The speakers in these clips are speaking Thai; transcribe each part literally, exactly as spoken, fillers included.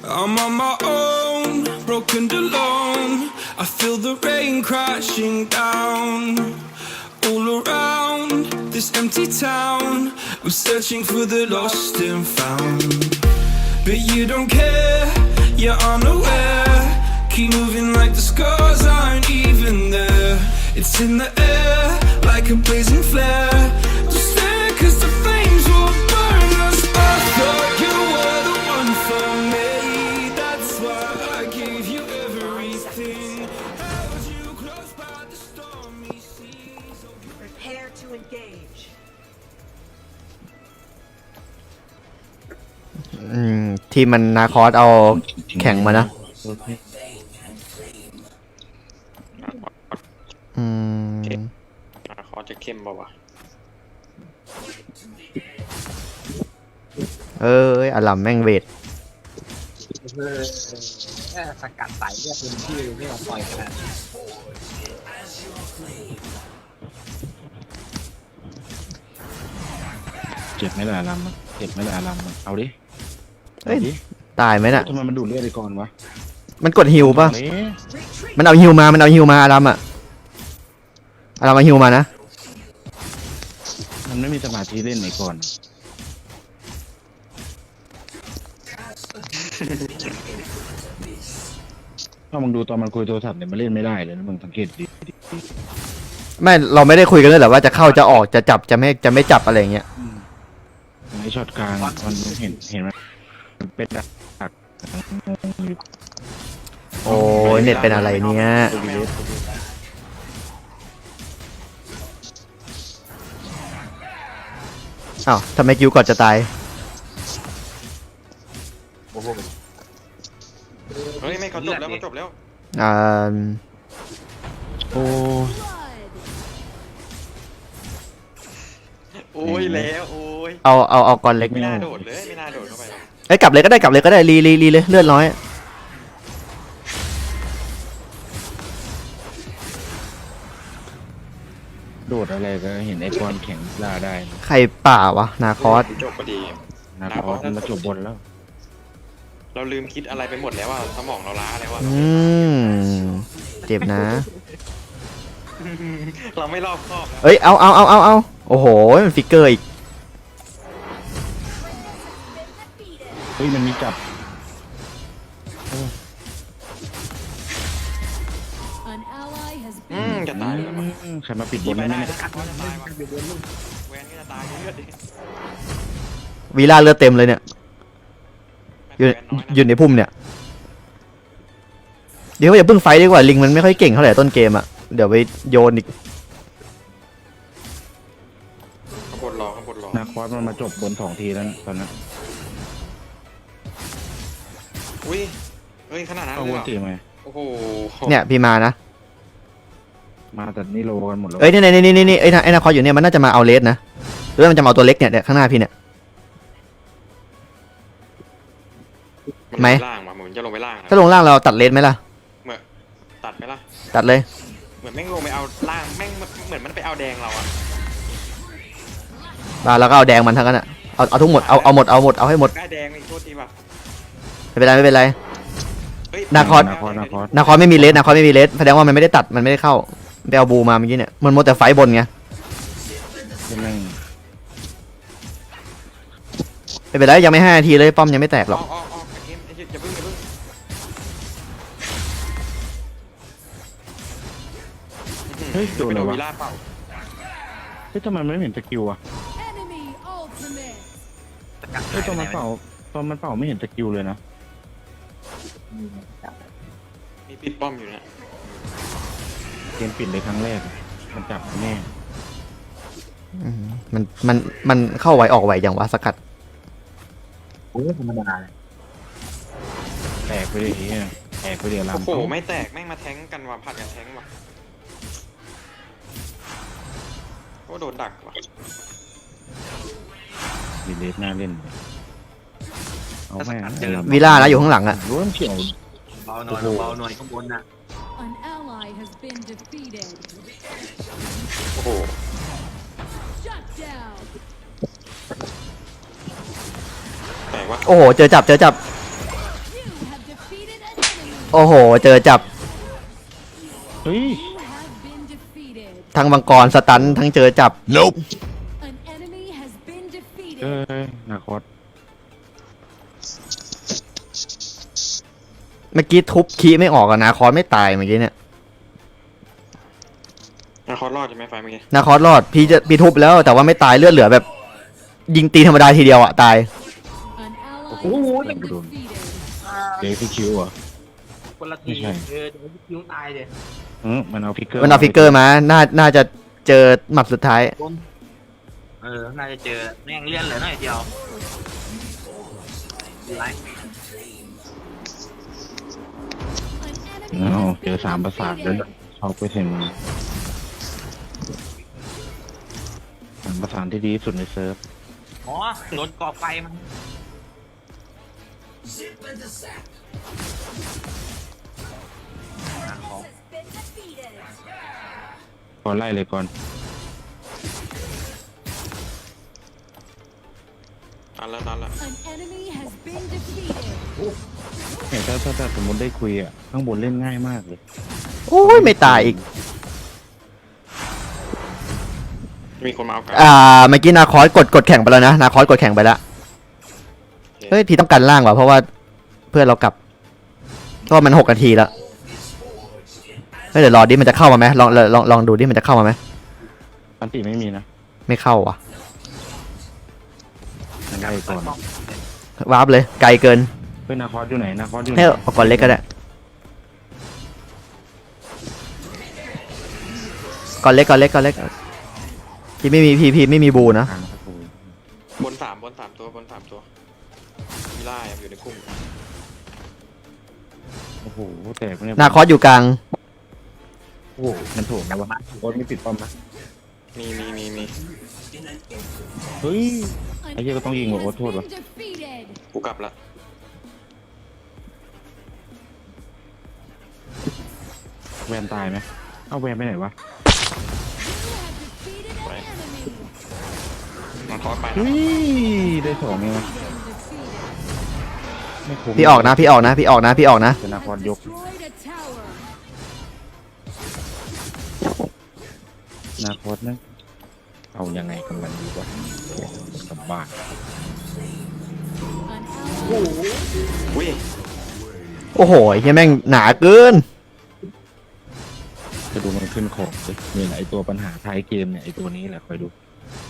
I'm on my own, broken and alone. I feel the rain crashing down all around this empty town. I'm searching for the lost and found, but you don't care, you're unaware. Keep moving like the scars aren't even there. It's in the air like a blazing flare. Just stare cause the flames will burn us. I thought you were the one for me. That's why I gave you everything. Held you close by the stormy seas. Prepare to engage. อืมทีมมันนาคอสเอาแข่งมานะอืมนาคอสจะเข้มป่าวะเอ้ยอลัมแม่งเวทเออแค่สกัดใส่เรียกพื้นที่ไม่ยอมปล่อยขนาดนั้นเจ็บไหมล่ะอารัมมันเจ็บไหมล่ะอารัมมันเอาดิเอ้ยเอาดิตายไหมน่ะทำไมมันดูดเลือดไปก่อนวะมันกดฮิวป่ะเอ๊ะมันเอาฮิวมา มันเอาฮิวมาอลัมอ่ะอลัมเอาฮิวมานะมันไม่มีสมาธิเล่นไหนก่อนถ้ามึงดูตอนมันคุยโทรศัพท์เนี่ยมันเล่นไม่ได้เลยนะมึงสังเกตดิไม่เราไม่ได้คุยกันเลยเหรอว่าจะเข้าจะออกจะจับจะไม่จะไม่จับอะไรอย่างเงี้ยไอ้ช็อตกลางมันเห็นเห็นไหมมันเป็นดักโอ้ยเน็ตเป็นอะไรเนี่ยอ้าวทำไมกิวก่อนจะตายเฮ้ยไม่เขาจบแล้วเขาจบแล้วอ่าโอ้โอ้ยแล้วโอ้ยเอาเอาเอาก่อนเล็กไม่น่าโดดเลยไม่น่าโดดเข้าไปหรอกเอ้ยกลับเลยก็ได้กลับเลยก็ได้รีรีรีเลยเลือดน้อยโดดอะไรก็เห็นไอ้กอนแข็งล่าได้ใครป่าวะนาคอสจบพอดีนาคอสมันมาจบบนแล้วเราลืมคิดอะไรไปหมดแล้วว่าสมองเราล้าแล้วว่าอืมเจ็บนะเราไม่รอบคอบนะเอ้ยเอาเอาเอาเอาเอาโอ้โหมันฟิกเกอร์อีกเฮ้ยมันมีจับ An ally has อืม been จะตายแล้วมั้งใครมาปิดบนนั่นไม่ไหมได้เนี่ยกัดว่าจะตายว่ะแวนก็จะตายเลือดดิวีล่าเลือดเต็มเลยเนี่ยอยู่แวนน้อยนะอยู่ในพุ่มเนี่ยเดี๋ยวอย่าเพิ่งไฟท์ดีกว่าลิงมันไม่ค่อยเก่งเท่าไหร่ต้นเกมอ่ะเดี๋ยวไปโยนอีกข้างบนรอข้างบนรอนาคอสมันมาจบบนสองทีแล้วนะตอนนั้นอุ้ยเฮ้ยขนาดนั้นเอาเลยวเหนรอตีไหมโอ้โหเนี่ยพี่มานะมาแต่นี่โลกันหมดแล้วเอ้ยนี่นี่นี่นี่นี่ไอ้นาไอ้นาคอสอยู่เนี่ยมันน่าจะมาเอาเลสนะหรือว่ามันจะมาเอาตัวเล็กเนี่ยเนี่ยข้างหน้าพี่เนี่ยมันไหมลงปล่างว่ะเหมือนจะลงไปล่างนะถ้าลงล่างเราตัดเลสไหมล่ะเหมือนตัดไหมล่ะตัดเลยเหมือนแม่งลงไปเอาล่างแม่งเหมือนมันไปเอาแดงเราอะมาแล้วก็เอาแดงมันทั้งนั้นอ่ะเอาเอาทุกหมดเอาเอาหมดเอาหมดเอาให้หมดได้แดงอีกโทษทีว่ะไม่เป็นไรไม่เป็นไรเฮ้ยนาคอสนาคอสนาคอสนาคอสไม่มีเลสนาคอสไม่มีเลสแสดงว่ามันไม่ได้ตัดมันไม่ได้เข้าไปเอาบูมาเมื่อกี้เนี่ยมันโมแต่ไฟบนไงยังไงไม่เป็นไรยังไม่ห้านาทีเลยป้อมยังไม่แตกหรอกออกออกออกเกมอย่าเพิ่งอย่าเพิ่งเฮ้ยโดนอะไรไปวะวีล่าเปล่าเฮ้ยทำไมมันไม่เห็นสกิลอ่ะ enemy ultimate. สกัดเฮ้ยตอนมันเป่าตอนมันเป่าไม่เห็นสกิลเลยนะมีปิดป้อมอยู่นะเกมปิดเลยครั้งแรก มันจับแน่อืมมันมันมันเข้าไวออกไวอย่างวะสกัดโอ้ธรรมดาเลยแตกไปเลยเฮียแตกไปเดี๋ยวลำโอ้โหไม่แตกแม่งมาแทงกันว่ะผัดกันแทงว่ะโอ้โดนดักว่ะดีเลสน่าเล่นเอาแม่งวีล่านะอยู่ข้างหลังอ่ะรู้ว่าเฉียวเบาหน่อยเบาหน่อยข้างบนน่ะ An ally has been defeated. โอ้โห Shut down. แตกว่ะโอ้โหเจอจับเจอจับโอ้โห เจอจับเฮ้ย You have been defeated. ทั้งมังกรสตันทั้งเจอจับ Nope. An enemy has been เอ้ defeated. ยนาคอสเมื่อกี้ทุบคีไม่ออกอะนาคอสไม่ตายเมื่อกี้เนี่ยนาคอสรอดใช่ไหมไฟเมื่อกี้นาคอสรอดพี่จะพี่ทุบแล้วแต่ว่าไม่ตายเลือดเหลือแบบ ยิงตีธรรมดาทีเดียวอะตาย An ally Ooh, has look been at him. defeated. เดฟิคิวเหรอคนละทีไม่ใช่เออเดี๋ยวคิวตายเลยอืมมันเอาฟิกเกอร์มันเอาฟิกเกอร์มา น่า น่าจะเจอหมัดสุดท้ายโดนเออ น่าจะเจอแม่งเลื่อนเหลือหน่อยเดียวไร An อ้าว enemy เจอ has สาม been ประสาทเลย defeated. เอาไปเซ็นสามประสานที่ดีที่สุดในเซิร์ฟอ๋อโดนก่อไฟมันอ่ะของก่อนไล่เลยก่อนตันแล้วตันแล้ว An enemy has been defeated. เนี่ยถ้าถ้าถ้าสมมติได้คุยอ่ะ ข้างบนเล่นง่ายมากเลยโอ้ยไม่ตายอีกมีคนมาเอาไก่อ่า เมื่อกี้นาคอสกดกดแข่งไปแล้วนะ นาคอสกดแข่งไปแล้ว เฮ้ย พี่ต้องกันล่างว่ะ เพราะว่าเพื่อนเรากลับ ก็มันหกนาทีแล้ว เฮ้ยเดี๋ยวรอดิมันจะเข้ามาไหมลองลองลองดูดิมันจะเข้ามาไหมอันติไม่มีนะไม่เข้าว่ะมันไล่ก่อนวาร์ปเลย ไกลเกินเฮ้ยนาคอสอยู่ไหนนาคอสอยู่ไหนให้เอาก่อนเล็กก็ได้ก่อนเล็กก่อนเล็กก่อนเล็กพี่ไม่มีพี่พี่ไม่มีบูนะกลางครับผมบนสามบนสามตัวบนสามตัวมีล่าอยู่ในคุ้มโอ้โหแตกเนี่ยนาคอสอยู่กลางโอ้โหมันโถมนะวะโคตรไม่ปิดป้อมนะมีมีมีมีเฮ้ย An ไอ้เหี้ยก็ต้องยิง enemy ว่ะโอ้ has โทษว่ะ been defeated. กูกลับละแวนตายไหมเอาแวนไปไหนวะ You have defeated an enemy. นาคอสไปนะเฮ้ยได้สองไงวะ Been defeated. ไม่คุ้มพี่ออกนะ พี่ออกนะ พี่ออกนะ พี่ออกนะเป็นนาคอสยก Destroyed a tower. นาคอสนะเอายังไงกันมันดีกว่าสบาย An ally อุ้ยโอ้โหไอ้เหี้ยแม่งหนาเกินจะดูมันขึ้นของสินี่แหละไอตัวปัญหาท้ายเกมเนี่ยไอตัวนี้แหละคอยดู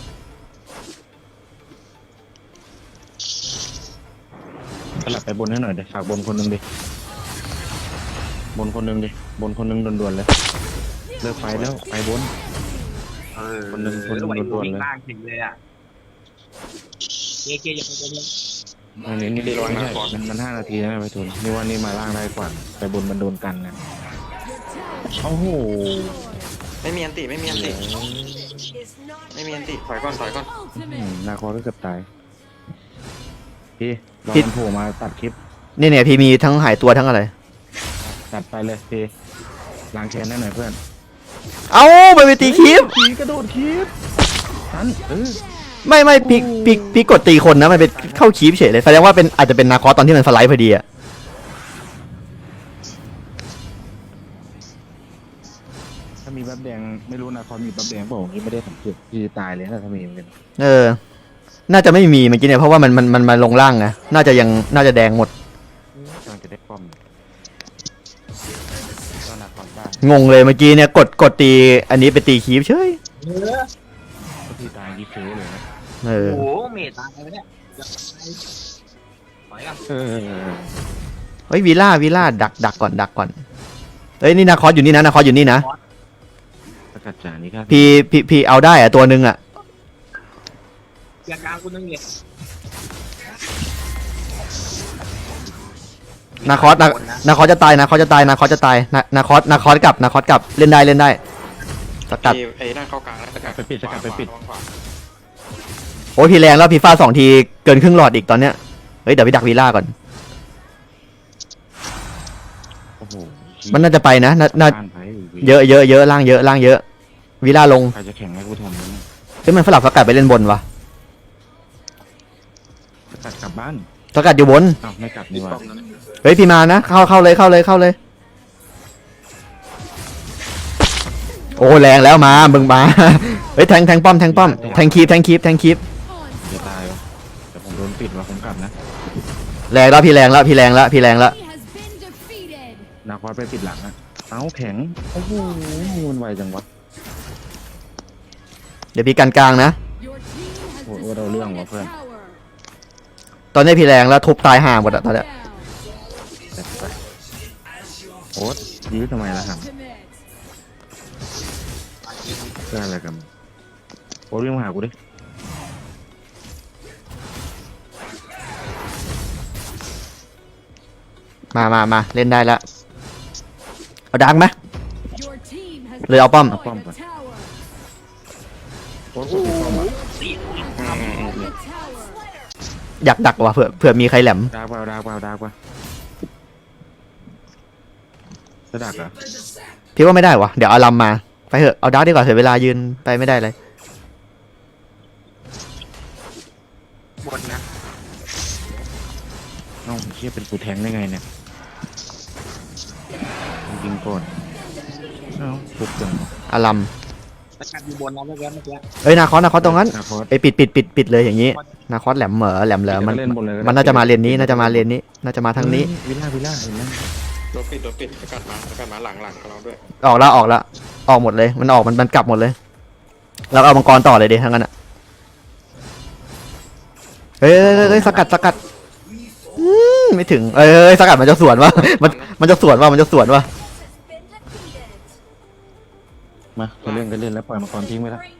สลับไปบนให้หน่อยเดี๋ยวฝากบนคนหนึ่งดิบนคนหนึ่งดิบนคนหนึ่งด่วนๆเลยเลิกไฟแล้วไปบนเออคนหนึ่งคนหนึ่งไหวโดนๆวิ่งเลยล่างถึงเลยอ่ะเกเกอย่าไปบนเลยอันนี้นี่ไม่ใช่มันมันห้านาทีนะไปทุนนี่ว่านี่มาล่างได้กว่าไปบนมันโดนกันนะโอ้โหไม่มีอันติไม่มีอันติ is not ไม่มีอันติถอยก่อนถอยก่อนอืม ultimate. นาคอก็เกือบตายพี่รอพี่มันโผล่มาตัดคลิปนี่เนี่ยพี่มีทั้งหายตัวทั้งอะไรตัดไปเลยพี่ล้างแค้นได้หน่อยเพื่อนเอ้าไปไปตีคลิปผีกระโดดคลิปทันเออไม่ไม่พี่พี่พี่กดตีคนนะมันเป็นเข้าคลิปเฉยเลยแสดงว่าเป็นอาจจะเป็นนาคอสตอนที่มันสไลด์พอดีอะถ้ามีบัฟแดงไม่รู้นาคอมีบัฟแดงเปล่าที่ไม่ได้สังเกตพี่ตายเลยนะถ้ามีเหมือนกันเออ น่าจะไม่มีเมื่อกี้เนี่ยเพราะว่ามันมันมันมาลงล่างไงน่าจะยังน่าจะแดงหมดกำลังจะได้ป้อมก็นาคอได้งงเลยเมื่อกี้เนี่ยกดกดตีอันนี้ไปตีคลิปเฉยเออก็พี่ตายดีเฟลเลยนะเออโอ้โหเมตตายไปเนี่ยอย่าไปถอยกันเออเฮ้ยวีล่าวีล่าดักดักก่อนดักก่อนเฮ้ยนี่นาคอสอยู่นี่นะนาคอสอยู่นี่นะสกัดจานี่ครับพี่พี่พี่เอาได้อะตัวหนึ่งอะอย่ากลางคุณนึงเนี่ยนาคอสนานาคอสจะตายนาคอสจะตายนาคอสจะตายนานาคอสนาคอสกลับนาคอสกลับเล่นได้เล่นได้สกัดไอ้ไอ้นั่นเข้ากลางแล้วสกัดไปปิดสกัดไปปิดขวาขวาโอ้ยพี่แรงแล้วพี่ฟาดสองทีเกินครึ่งหลอดอีกตอนเนี้ยเฮ้ยเดี๋ยวพี่ดักวีล่าก่อนโอ้โหมันน่าจะไปนะน่าน่าบ้านไปเยอะเยอะเยอะล่างเยอะล่างเยอะวีล่าลงใครจะแข่งให้กูทำเนี่ยเฮ้ยมันสลับสกัดไปเล่นบนวะสกัดกลับบ้านสกัดอยู่บนอ้าวไม่กลับนี่หว่าป้อมนั้นเนี่ยเฮ้ยพี่มานะเข้าเข้าเลยเข้าเลยเข้าเลย โอ้แรงแล้วมามึงมา เฮ้ยแทงแทงป้อมแทงป้อมแทงคีบแทงคีบแทงคีบจะตายวะแต่ผมโดนปิดว่ะผมกลับนะแรงแล้วพี่แรงแล้วพี่แรงแล้วพี่แรงแล้ว He has been defeated. นาคอสไปปิดหลังอะเอ้าแข็งโอ้โหมันไวจังวะเดี๋ยวพี่กันกลางนะ Your team has โอ้โหเราเรื่องว่ะ destroyed เพื่อน a tower. ตอนนี้พี่แรงแล้วทุบตายห่าหมดอะตอนเนี้ย Down. แต่ไปโอ๊ตยื้อทำไมล่ะครับ Ultimate. เพื่ออะไรกันโอ๊ตวิ่งมาหากูดิมามามาเล่นได้แล้วเอาดังไหม Your team has เลยเอาป้อม destroyed a tower. โอ๊ตกดปิดป้อมอะ Destroyed a tower. อยากดักว่ะเผื่อเผื่อมีใครแหลมดาวเปล่าดาวเปล่าดาวเปล่าจะดักเหรอพี่ว่าไม่ได้วะเดี๋ยวเอาลำมาไปเถอะเอาดักดีกว่าเสียเวลายืนไปไม่ได้เลยบนนะเอ้าเชี่ยเป็นกูแทงได้ไงเนี่ยยิงก่อนเอ้าทุบจังเอาลสกัดอยู่บนนะเมื่อกี้เมื่อกี้ำเอ้ยนาคอสนาคอสตรงนั้นนาคอสไปปิดปิดปิดปิดเลยอย่างนี้นาคอสแหลมเหมอแหลมเหลอมันเล่นบนเลยก็ได้มันน่าจะมาเลนนี้น่าจะมาเลนนี้น่าจะมาทางนี้วิลล่าวิลล่าเห็นไหมโดนปิดโดนปิดสกัดมาสกัดมาหลังหลังของเราด้วยออกแล้วออกแล้วออกหมดเลยมันออกมันมันกลับหมดเลยเราเอามังกรต่อเลยดิทั้งนั้นอ่ะเฮ้ยเฮ้ยเฮ้ยเฮ้ยสกัดสกัดอืมไม่ถึงเอ้ยเอ้ยสกัดมันจะสวนวะมันมันจะสวนวะมันจะสวนวะมาจะเล่นก็เล่นแล้วปล่อยมังกรทิ้งไปแล้ว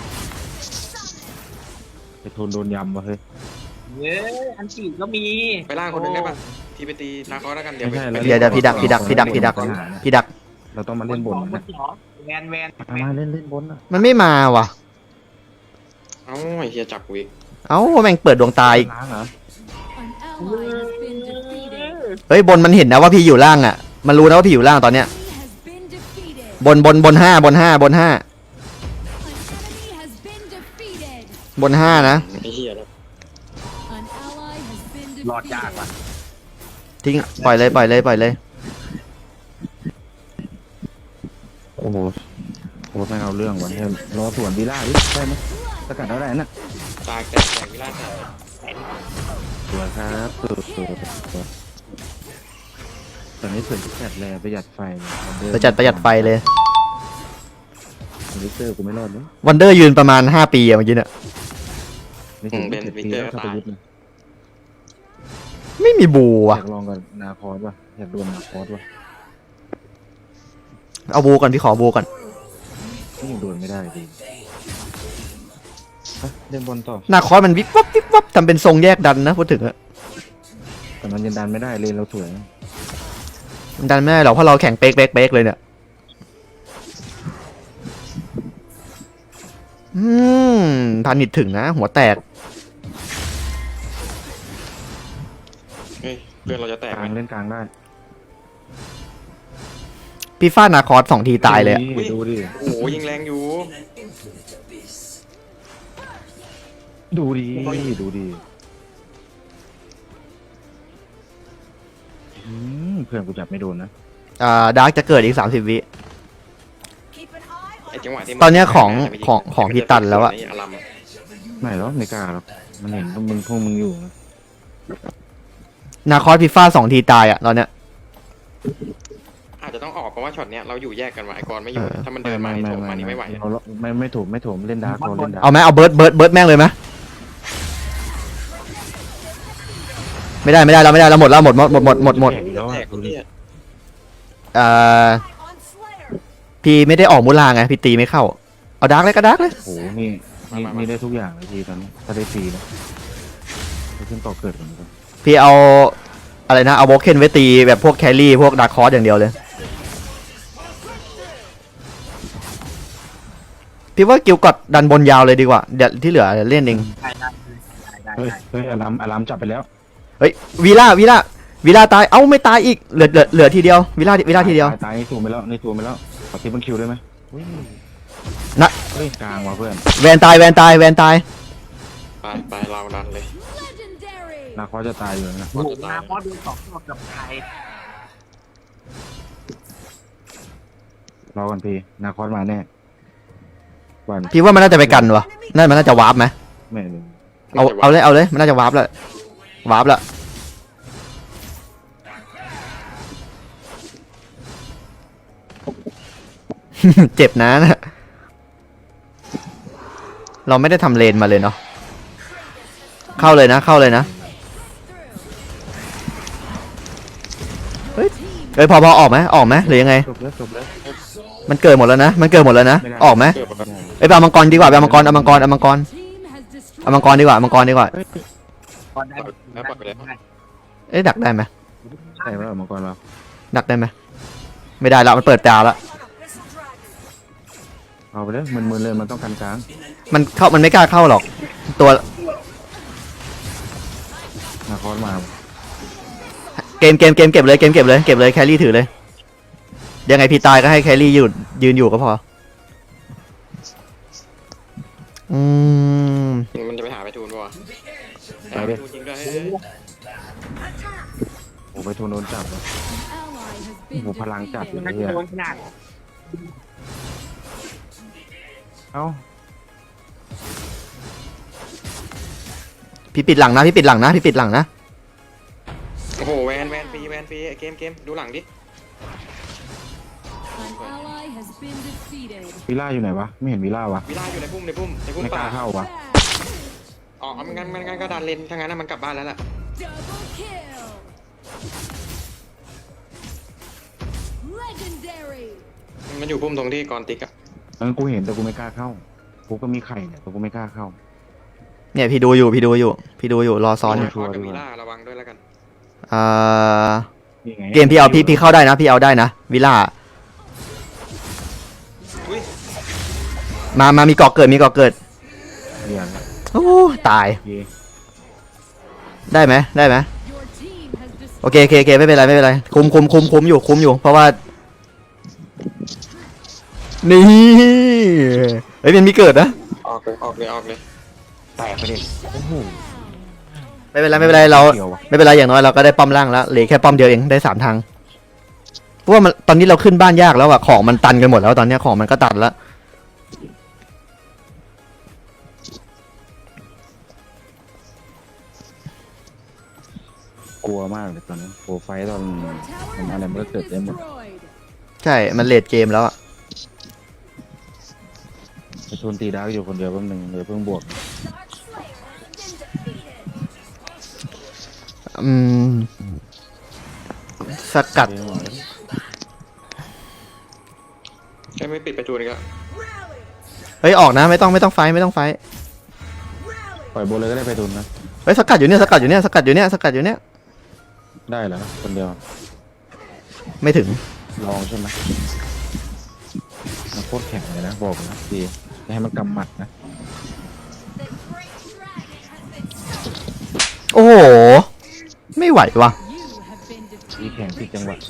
ไอ้โทนโดนยำวะเฮ้ยเย้อันฉีดก็มีไปล่างคนหนึงได้ปะทีไปตีนาคอสแล้วกันเดี๋ยวไม่ใช่แล้วเดี๋ยวเดี๋ยวพี่ดักพี่ดักพี่ดักพี่ดักพี่ดักเราต้องมาเล่นบนบนะนเหรอแวนแวนมามาเล่นเล่นบนอ่ะมันไม่มาว่ะเอ้าไอ้เฮียจับกูอีกเอ้าแม่งเปิดดวงตาอีกล้างเหรอ An ally has been defeated. เฮ้ยบนมันเห็นนะว่าพี่อยู่ล่างอ่ะมันรู้นะว่าพี่อยู่ล่างตอนเนี้ย He has been defeated. บนบนบนห้าบนห้าบนห้า An enemy has been defeated. บนห้านะไอ้เฮียแล้ว An ally has been หลอดยาก defeated. ว่ะทิ้งปล่อยเลยปล่อยเลยปล่อยเลยโอ้โหโอ้ไม่เอาเรื่องวะเนี่ยรอสวนวิลล่าดิได้ไหมสกัดแล้วได้น่ะตากแตกแตกวิลล่าแตกสวยครับสุดสุดสุดตอนนี้ส่วนที่จัดแลประหยัดไฟประจัดประหยัดไฟเลยลิเตอร์กูไม่รอดนะวันเดอร์ยืนประมาณห้าปีอะเมื่อกี้เนี่ยไม่ถึงเจ็ดปีแล้วถ้าไปยึดนะไม่มีบูอว่ะยากลองกับนาคอสว่ะอยากโดนนาคอสว่ะเอาบูก่อนพี่ขอบูก่อนนี่ยังโดนไม่ได้ดิไปเล่นบอลต่อหน้าคอสมันวิบวับวิบวับทำเป็นทรงแยกดันนะพูดถึงอะแต่มันยังดันไม่ได้เลนเราสวยนะมันดันไม่ได้หรอกเพราะเราแข่งเป๊กเป๊กเป๊กเลยเนี่ยอืมพันนิดถึงนะ หัวแตกเฮ้ยเพื่อนเราจะแตกกไหมลางเล่นกลางได้พี่ฟาดนาคอสสองทีตายเลยอะดูดิโอ้โหยิงแรงอยู่ดูดิดูดิอืมเพื่อนกูจับไม่โดนนะอ่าดาร์กจะเกิดอีกสามสิบวิ Keep an eye on ไอ้จังหวะที่ตอนเนี้ยของของของพี่ตันแล้วอะไอลัมไม่หรอกไม่กล้าหรอกมันเห็นพวกมึงพวกมึงอยู่นะนาคอสพี่ฟาดสองทีตายอะตอนเนี้ยอาจจะต้องออกเพราะว่าช็อตเนี้ยเราอยู่แยกกันว่ะไอ้กรไม่อยู่ถ้ามันเดินมานี่โถมมานี่ไม่ไหวเราไม่ไม่ถูกไม่ถูกเล่นดาร์กเราเล่นดาร์กเอาไหมเอาเบิร์ดเบิร์ดเบิร์ดแม่งเลยไหมไม่ได้ไม่ได้เราไม่ได้เราหมดแล้วหมดหมดหมดหมดหมดหมดแล้วแตอะกเนี่ยเอ่อ on Slayer. พี่ไม่ได้ออกมูลาไงพี่ตีไม่เข้าเอาดาร์กเลยก็ดาร์กเลยโอ้โหนี่นี่นี่ได้ทุกอย่างเลยทีตอนนี้ถ้าได้ฟรีนะไปขึ้นต่อเกิดเหมือนกันพี่เอาอะไรนะเอาโบเคนไว้ตีแบบพวกแครี่พวกดาร์คคอร์สอย่างเดียวเลยพี่ว่ากิลกอดดันบนยาวเลยดีกว่าเดี๋ยวที่เหลือเล่นเองได้ได้ได้เฮ้ยได้เฮ้ยอารามอารามจับไปแล้วเฮ้ยวีล่าวีล่าวีล่าตายเอ้าไม่ตายอีกเหลือเหลือเหลือทีเดียววีล่าวีล่าทีเดียวตายตายนี่ถูกไปแล้วนี่ถูกไปแล้วขอทิปมันคิวได้ไหมอุ้ยนะเฮ้ยกลางว่ะเพื่อนแวนตายแวนตายแวนตายไปไปเราดันเลย Legendary. นาคอสจะตายอยู่นะโอ้โหมาพอดูสองรอบกับใครรอกันพี่นาคอสมาแน่วันพี่ว่ามันน่าจะไปกันวะน่ามันน่าจะวาร์ปไหมไม่รู้เอาเอาเลยเอาเลยมันน่าจะวาร์ปแล้ววาร์ปแล้ว เจ็บนะนะเราไม่ได้ทำเลนมาเลยเนาะเข้าเลยนะเข้าเลยนะเฮ้ยเฮ้ยพอพอออกไหมออกไหมหรือยังไงจบแล้วจบแล้วมันเกิดหมดแล้วนะมันเกิดหมดแล้วนะออกไหมเกิดปกติเอ้ยไปเอามังกรดีกว่าไปเอามังกรเอามังกรเอามังกร Team has destroyed เอามังกรดีกว่าเอามังกรดีกว่าก่อนได้แล้วปล่อยไปเลยเอ้ยดักได้ไหมใช่ไหมมังกรเราดักได้ไหมไม่ได้แล้วมันเปิดตาแล้วเอาไปเลยมึนๆเลยมันต้องกันกลางมันเข้ามันไม่กล้าเข้าหรอกตัวนาคอสมาเกมเกมเกมเก็บเลยเกมเก็บเลยเก็บเลยแครี่ถือเลยยังไงพี่ตายก็ให้แครี่ยืนยืนอยู่ก็พออืมมันจะไปหาไปทูนป่ะไปดิทูนจริงด้วยโอ้ไปทูนโดนจับแล้ว ally has โอ้ been โหพลังจัด defeated. เลยมันเนี่ยโดนขนาดเอ้าพี่ปิดหลังนะพี่ปิดหลังนะพี่ปิดหลังนะโอ้โหแวนแวนฟรีแวนฟรีเกมเกมดูหลังดิ An ally has been defeated. วิล่าอยู่ไหนวะไม่เห็นวิล่าวะวิลาอยู่ในพุ่มในพุ่มในพุ่มไม่กป่าล้าเข้าวะอ๋อมันงั้นมันงั้นก็ดันเลนถ้างั้นมันกลับบ้านแล้วล่ะ Double kill. Legendary. มันอยู่พุ่มตรงที่กรติกอะเออกูเห็นแต่กูไม่กล้าเข้ากูก็มีไข่เนี่ยแต่กูไม่กล้าเข้าเนี่ยพี่ดูอยู่พี่ดูอยู่พี่ดูอยู่รอซ้อนอยู่ชัวร์กับดีกว่าวิลาระวังด้วยแล้วกันอ่านี่ไงเกมพี่เอาพี่พี่เข้าได้นะพี่เอาได้นะวิลล่าอุ้ยมามามีเกาะเกิดมีเกาะเกิดเรียนละโอ้ตายเย่ได้ไหมได้ไหม Your team has โอเคโอเคโอเคไม่เป็นไรไม่เป็นไรคุมคุมคุมคุมอยู่คุมอยู่เพราะว่านี่เฮ้ยมันมีเกิดนะออกเลยออกเลยออกเลยแตกไปดิโอ้โหไม่เป็นไรไม่เป็นไรเราเกี่ยววะไม่เป็นไรอย่างน้อยเราก็ได้ป้อมล่างแล้วเหลือแค่ป้อมเดียวเองได้สามทางเพราะว่ามันตอนนี้เราขึ้นบ้านยากแล้วอะของมันตันกันหมดแล้วตอนเนี้ยของมันก็ตันแล้วกลัวมากเลยตอนนั้นโปรไฟล์ตอน Your ทำ tower อะไร has มันก็ been เกิดได้หมด destroyed. ใช่มันเลดเกมแล้วอะไปทูนตีดาร์กอยู่คนเดียวแป๊บนึงเดี๋ยวเพิ่งบวกอืมสกัดเดี๋ยวหมดแล้วแค่ไม่ปิดประตูนี่ก็เฮ้ยออกนะไม่ต้องไม่ต้องไฟท์ไม่ต้องไฟท์ปล่อยโบนเลยก็ได้ไปทูนนะเฮ้ยสกัดอยู่เนี่ยสกัดอยู่เนี่ยสกัดอยู่เนี่ยสกัดอยู่เนี่ยได้เหรอคนเดียวไม่ถึงลองใช่ไหมมันโคตรแข็งเลยนะบอกนะดีจะให้มันกำหมัดนะโอ้โหไม่ไหวว่ะ You have been ดี defeated. แข็งผิดจังหวะ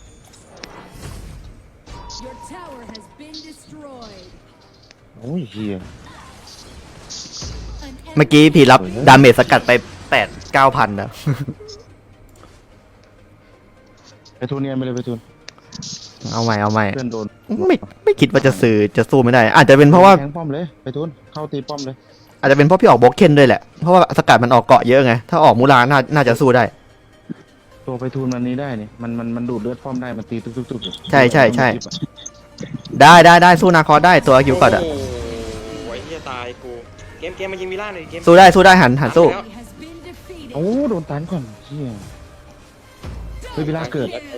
Your tower has been destroyed. โอ้ยเฮีย An เมื่อกี้พี่รับดาเมจสกัดไปแปดเก้าพันนะไปทูนเนียนไปเลยไปทูนเอาใหม่เอาใหม่เพื่อนโดนไม่ไม่คิดว่าจะซื้อจะสู้ไม่ได้ อาจจะเป็นเพราะว่าแทงป้อมเลยไปทูนเข้าตีป้อมเลยอาจจะเป็นเพราะพี่ออกบล็อกเคนด้วยแหละเพราะว่าสกัดมันออกเกาะเยอะไงถ้าออกมูลาน่าน่าจะสู้ได้ตัวไปทูนมันนี้ได้นี่มันมันมันดูดเลือดป้อมได้มันตีตุ๊กตุ๊กตุ๊กใช่ใช่ใช่ ได้ได้ได้สู้นาคอสได้ตัวคิวกัดอะโอ้โหไอ้เหี้ยตายกูเกมเกมมายิงวิลาหน่อยเกมสู้ได้สู้ได้หันหันสู้ enemy has been defeated. โอ้โดนตันก่อนเฮียเฮ้ยเวลาเกิด Kill.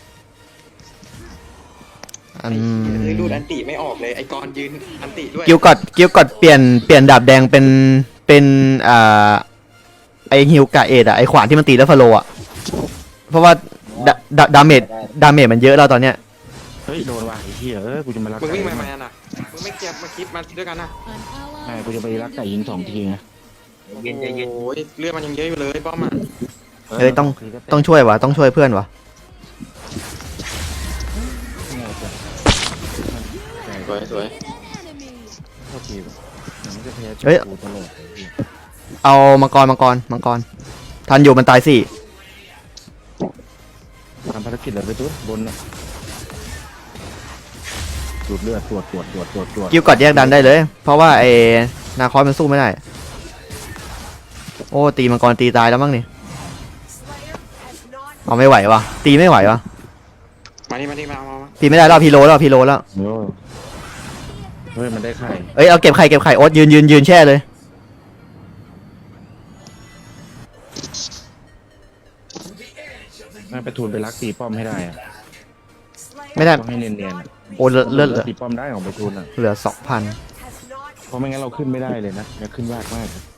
อืเฮ้ยมรูดอันติไม่ออกเลยไอ้กรยืนอันติด้วยกิวกอดกิวกอดเปลี่ยนเปลี่ยนดาบแดงเป็นเป็นอ่าไอฮิวกะเอ็ดอะไอขวานที่มันตีแล้วฟาโลอะเพราะว่าดาดาดาเมจดาเมจมันเยอะแล้วตอนเนี้ยเฮ้ยโดนว่ะไอ้เฮียเออกูจะมารักมึงไก่วิ่งมาไหมน่ะมึงไม่เก็บมาคลิปมาด้วยกันนะ An ally ใช่กู has จะไป been รักไก่ยิงสองทีไงเย็นใจเย็นโอ้ยเลือดมันยังเยอะอยู่เลยป้อมอ่ะเฮ้ยต้องต้องช่วยวะต้องช่วยเพื่อนวะสวยสวย defeated. An enemy. โทษทีว่ะมันจะแพ้เฮ้ยกูตลอดเลยเหี้ยเอามังกรมังกรมังกรทันอยู่มันตายสี่ทำภารกิจอะไรไปตัวบนน่ะดูดเลือดตรวจตรวจตรวจตรวจตรวจกิวกอดแยกดันได้เลย เพราะว่าไอ้นาคอสมันสู้ไม่ได้ โอ้ตีมังกรตีตายแล้วมั้งนี่ Slayer has not เอาไม่ไหววะตีไม่ไหววะมานี่มานี่มามามาตีไม่ได้แล้วพีโลแล้วพีโลแล้วโอ้เฮ้ยมันได้ไข่เอ้ยเอาเก็บไข่เก็บไข่โอ๊ตยืนยืนยืนแช่เลยน่าไปทูนไปลักตีป้อมให้ได้อะ Slayer ไม่ได้ต้องให้เนียนๆอะโอ้เลือดเลือดเหลือตีป้อมได้ของไปทูนอ่ะเหลือสองพัน has not เพราะไม่งั้นเราขึ้นไม่ได้เลยนะจะขึ้นยากมากเลย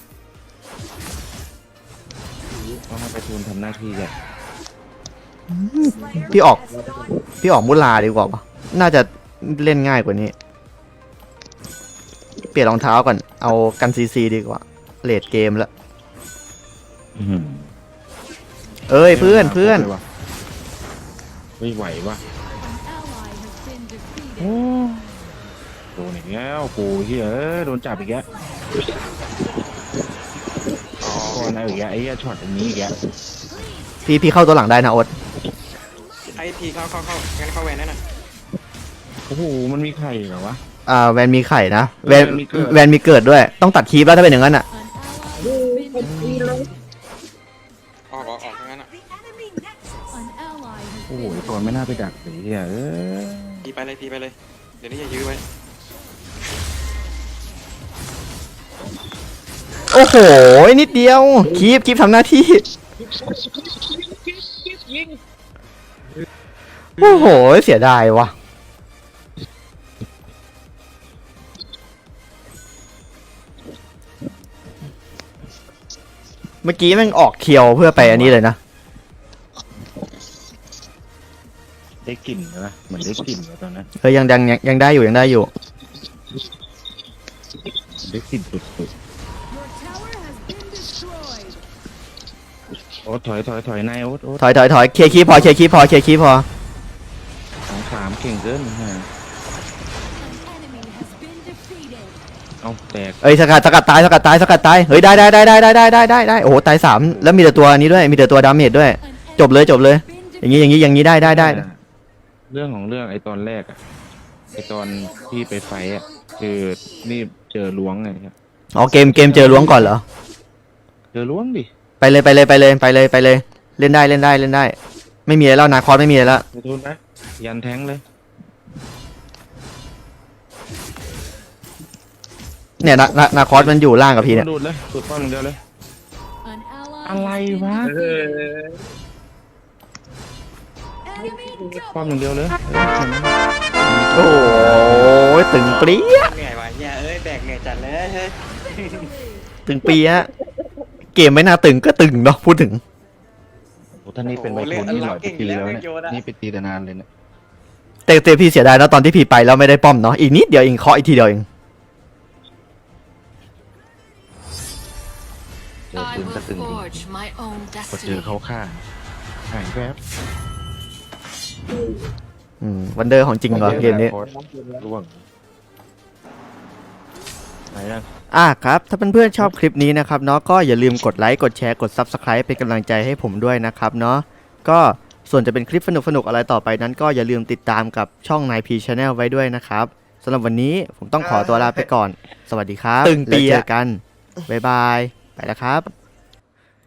ต้องให้ไปทูนทำหน้าที่แก Slayer พี่ออก has not พี่ออกมุลาดีกว่าปะน่าจะเล่นง่ายกว่านี้ เปลี่ยนรองเท้าก่อน เอากันซีซีดีกว่า เลดเกมแล้วอื้อหือเอ้ยเพื่อนเพื่อนไม่ไหววะ An ally has been defeated. โอ้โดนอีกแล้วกูเฮียเอ้ยโดนจับอีกแล้วก่อนเอาอีกแล้วไอ้เหี้ยช็อตอย่างนี้อีกแล้วพี่พี่เข้าตัวหลังได้นะโอ๊ตไอทีเข้าเข้าเข้างั้นเข้าแวนนั่นน่ะโอ้โหมันมีไข่เหรอวะอ่าแวนมีไข่นะ แวนแวนมีเกิดแวนมีเกิดด้วย ต้องตัดคีบแล้วถ้าเป็นอย่างนั้นอ่ะ An ally has been defeated. ออกออกออกทั้งนั้นอ่ะ the enemy nexus. An ally has โอ้โห been ก่อนไม่น่าไปดักเลยเฮียเอ้ยทีไปเลยทีไปเลย เดี๋ยวนี้อย่ายื้อไว้โอ้โห นิดเดียว คีบคีบทำหน้าที่ โอ้โห เสียดายวะเมื่อกี้แม่งออกเคียวเพื่อไปอันนี้เลยนะได้กลิ่นนะเหมือนได้กลิ่นเลยตอนนั้นเฮ้ยยังยังยังยังได้อยู่ยังได้อยู่ได้กลิ่นสุด Your tower has been destroyed. ๆโอ๊ตถอยถอยถอยนายโอ๊ตโอ๊ตถอยถอยถอยเคลียร์คีบพอเคลียร์คีบพอเคลียร์คีบพอสองสามเก่งเกินฮะ An enemy has been defeated. เอาแตกเอ้ยสกัดสกัดตายสกัดตายสกัดตายเฮ้ยได้ได้ได้ได้ได้ได้ได้ได้ได้โอ้โหตายสามแล้วมีแต่ตัวอันนี้ด้วยมีแต่ตัวดาเมจด้วย An จบเลยจบเลย been อย่างนี้อย่างนี้อย่างนี้ได้ได้ได้เรื่องของเรื่องไอ้ตอนแรกอะไอ้ตอนที่ไปไฟอะคือนี่เจอล้วงไงครับอ๋อเกมเกมเจอล้วงก่อนเหรอเจอล้วงดิไปเลยไปเลยไปเลยไปเลยไปเลย เล่นได้เล่นได้เล่นได้ ไม่มีอะไรแล้วนาคอสไม่มีอะไรแล้วไปทุนนะยันแทงเลยเนี่ยนานานาคอสมันอยู่ล่างกับพี่เนี่ยดูดเลยดูดป้อมอย่างเดียวเลย An ally อะไร has been วะ defeated. Enemy ป้อม double อย่างเดียวเลยโอ้ยตึงเปรี้ยเหนื่อยวะเนี่ยเอ้ยแบกเหนื่อยจัดเลยเฮ้ยตึงเปรี้ยเกมไม่น่าตึงก็ตึงเนาะพูดถึงโอ้ท่านนี่เป็นใบทุนนี่หลายปีแล้วเนี่ยนี่ไปตีแต่นานเลยเนี่ยแต่แต่พี่เสียดายนะตอนที่พี่ไปแล้วไม่ได้ป้อมเนาะอีกนิดเดียวเองเคาะอีกทีเดียวเองเจอ I ปืน will ก็ตึงจริง forge my own พอเจอ destiny. เขาฆ่าหายแวบอืมวันเดอร์ของจริงเหรอเกมนี้ร่วงไหนยังอ่ะครับ ถ้าเพื่อนๆชอบคลิปนี้นะครับเนาะก็อย่าลืมกดไลค์กดแชร์กด Subscribe เป็นกำลังใจให้ผมด้วยนะครับเนาะก็ส่วนจะเป็นคลิปสนุกๆอะไรต่อไปนั้นก็อย่าลืมติดตามกับช่อง ไนน์ พี Channel ไว้ด้วยนะครับสำหรับวันนี้ผมต้องขอตัวลาไปก่อน สวัสดีครับตึงปีแล้วเจอะอกัน บ๊ายบาย ไปแล้วครับ